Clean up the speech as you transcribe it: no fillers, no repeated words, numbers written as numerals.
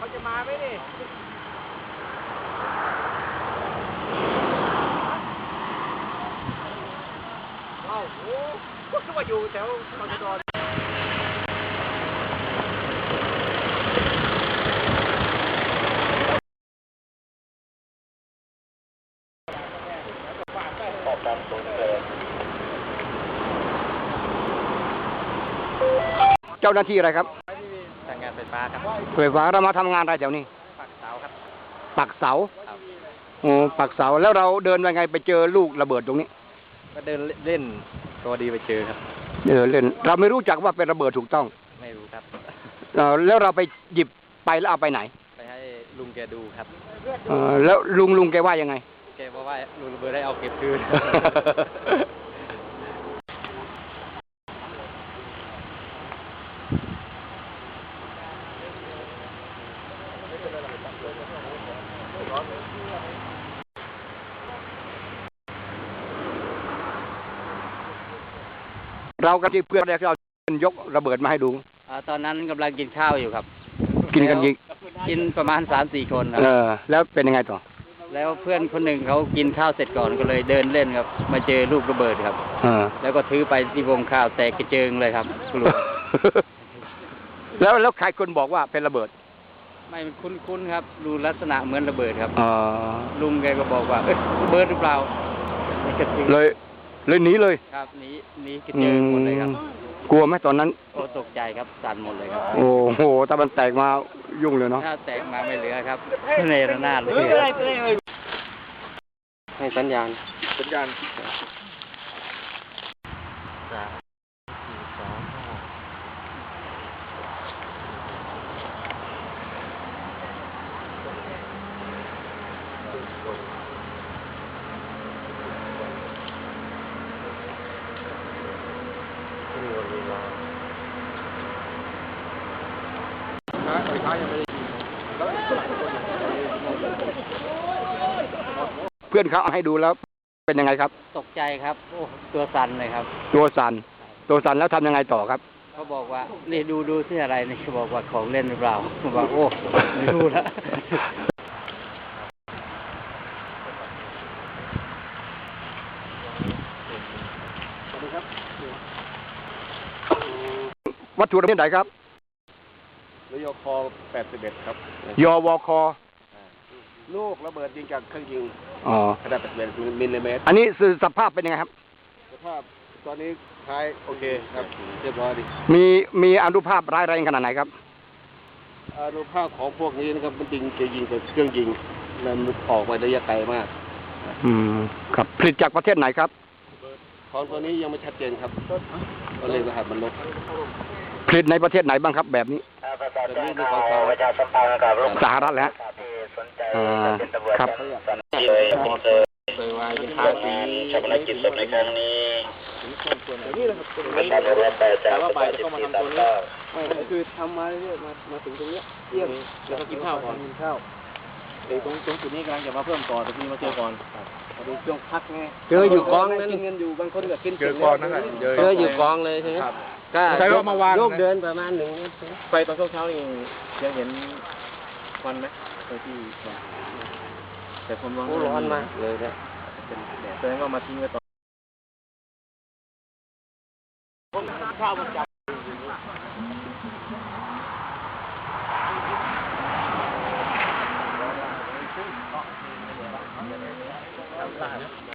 เขาจะมาไหมนี่ว้าวโอ้ก็คือว่าอยู่แถวตอนจอดเจ้าหน้าที่อะไรครับทางงานไฟฟ้าครับไฟฟ้าเรามาทำงานอะไรแถวนี้ปักเสาครับปักเสาครับโอ้ปักเสาแล้วเราเดินยังไงไปเจอลูกระเบิดตรงนี้ก็เดินเล่นตัวดีไปเจอครับเล่นเราไม่รู้จักว่าเป็นระเบิดถูกต้องไม่รู้ครับแล้วเราไปหยิบไปแล้วเอาไปไหนไปให้ลุงแกดูครับแล้วลุงแกว่ายังไงแกบอกว่าลุงระเบิดได้เอาเก็บคืนเรากับเพื่อนเรายกระเบิดมาให้ดูตอนนั้นกำลังกินข้าวอยู่ครับกินกันยิงกินประมาณ3-4 คนครับแล้วเป็นยังไงต่อแล้วเพื่อนคนหนึ่งเขากินข้าวเสร็จก่อนก็เลยเดินเล่นครับมาเจอลูกระเบิดครับแล้วก็ถือไปที่วงข้าวแตกกระเจิงเลยครับคุณลุงแล้วใครคนบอกว่าเป็นระเบิดไม่คุ้นครับดูลักษณะเหมือนระเบิดครับลุงแกก็บอกว่าระเบิดหรือเปล่าเลยหนีเลยครับหนีกระเจิงหมดเลยครับกลัวไหมตอนนั้นโอ้ตกใจครับสั่นหมดเลยครับโอ้โหถ้ามันแตกมายุ่งเลยเนาะถ้าแตกมาไม่เหลือครับเนรนาถเลยให้สัญญาณเพื่อนเขาเอาให้ดูแล้วเป็นยังไงครับตกใจครับโอ้ตัวสั่นเลยครับตัวสั่นแล้วทำยังไงต่อครับเขาบอกว่านี่ดูที่อะไรนี่เขาบอกว่าของเล่นหรือเปล่าผมบอกโอ้ไม่รู้แล้ววัตถุระเบิดไหนครับยค81ครับยวคลูกระเบิดยิงจากเครื่องยิงขนาด81มิลลิเมตรอันนี้คือสภาพเป็นยังไงครับสภาพตอนนี้ท้ายโอเคครับเรียบร้อยดีมีอนุภาพร้ายแรงขนาดไหนครับอนุภาพของพวกนี้นะครับมันจะยิงกับเครื่องยิงมันออกไประยะไกลมากครับผลิตจากประเทศไหนครับของตัวนี้ยังไม่ชัดเจนครับก็เลยรหัสมันลบผลิตในประเทศไหนบ้างครับแบบนี้สหรัฐแล้วครับโดยว่าเป็นภาษีชาปนกิจศพในครั้งนี้ไม่ทราบว่าไปจากสถานที่ต่างๆไม่คือทำมาเรื่อยมาถึงตรงนี้เที่ยงแล้วก็กินข้าวก่อนตรงจุดนี้กำลังจะมาเพิ่มต่อแต่พี่มาเจอก่อนพอดีช่วงพักไงเจออยู่กองนั้นกินเงินอยู่บางคนก็กินเจอกองนั่นแหละเจออยู่กองเลยใช่ไหมก็ใช้ว่ามาวางโยกเดินประมาณ1 ไปตอนเช้านี่ยังเห็นควันไหมไปที่แต่ผมร้อนมากเลยเนี่ยแสดงว่ามาทิ้งไว้ตอนข้าวมันจับ